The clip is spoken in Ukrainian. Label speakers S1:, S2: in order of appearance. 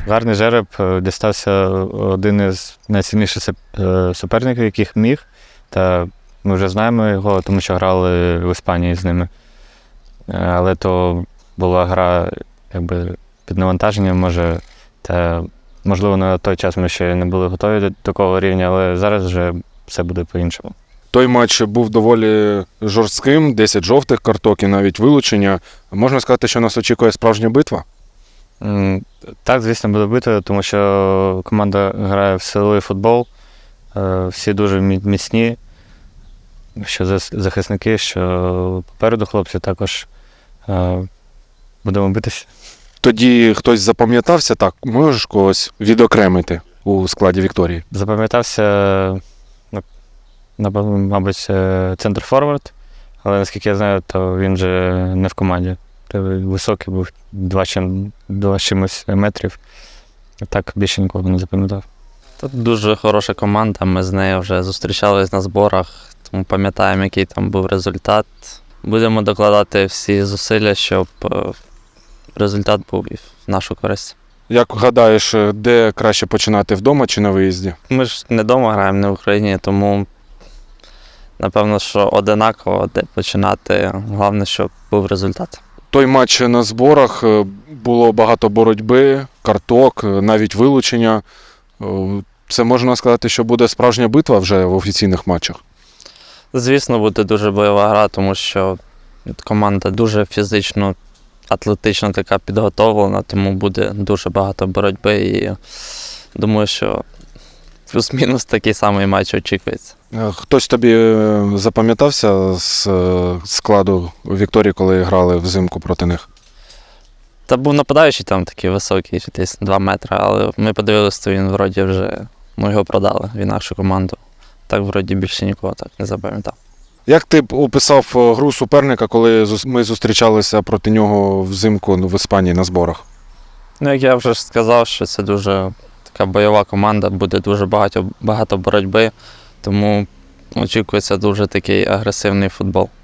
S1: Гарний жереб, дістався один із найсильніших суперників, яких міг. Та ми вже знаємо його, тому що грали в Іспанії з ними. Але то була гра під навантаженням, можливо, на той час ми ще не були готові до такого рівня, але зараз вже все буде по-іншому.
S2: Той матч був доволі жорстким, 10 жовтих карток і навіть вилучення. Можна сказати, що нас очікує справжня битва?
S1: Так, звісно, буде битва, тому що команда грає в силовий футбол, всі дуже міцні, що захисники, що попереду хлопці також будемо битися.
S2: Тоді хтось запам'ятався, так, можеш когось відокремити у складі Вікторії?
S1: Запам'ятався, мабуть, центр-форвард, але наскільки я знаю, то він же не в команді. Високий був 2 чимось метрів. Так більше нікого не запам'ятав.
S3: Тут дуже хороша команда, ми з нею вже зустрічались на зборах, тому пам'ятаємо, який там був результат. Будемо докладати всі зусилля, щоб результат був і в нашу користь.
S2: Як гадаєш, де краще починати, вдома чи на виїзді?
S3: Ми ж не вдома граємо, не в Україні, тому напевно, що одинаково, де починати. Головне, щоб був результат.
S2: Той матч на зборах, було багато боротьби, карток, навіть вилучення. Це можна сказати, що буде справжня битва вже в офіційних матчах?
S3: Звісно, буде дуже бойова гра, тому що команда дуже фізично, атлетично така підготовлена, тому буде дуже багато боротьби і думаю, що плюс-мінус такий самий матч очікується.
S2: Хтось тобі запам'ятався з складу Вікторії, коли грали взимку проти них?
S3: Та був нападаючий там такий високий, десь 2 метри, але ми подивилися, то він вроді вже, його продали в інакшу команду. Так вроді більше нікого так не запам'ятав.
S2: Як ти б описав гру суперника, коли ми зустрічалися проти нього взимку в Іспанії на зборах?
S3: Як я вже сказав, що це дуже така бойова команда, буде дуже багато боротьби, тому очікується дуже такий агресивний футбол.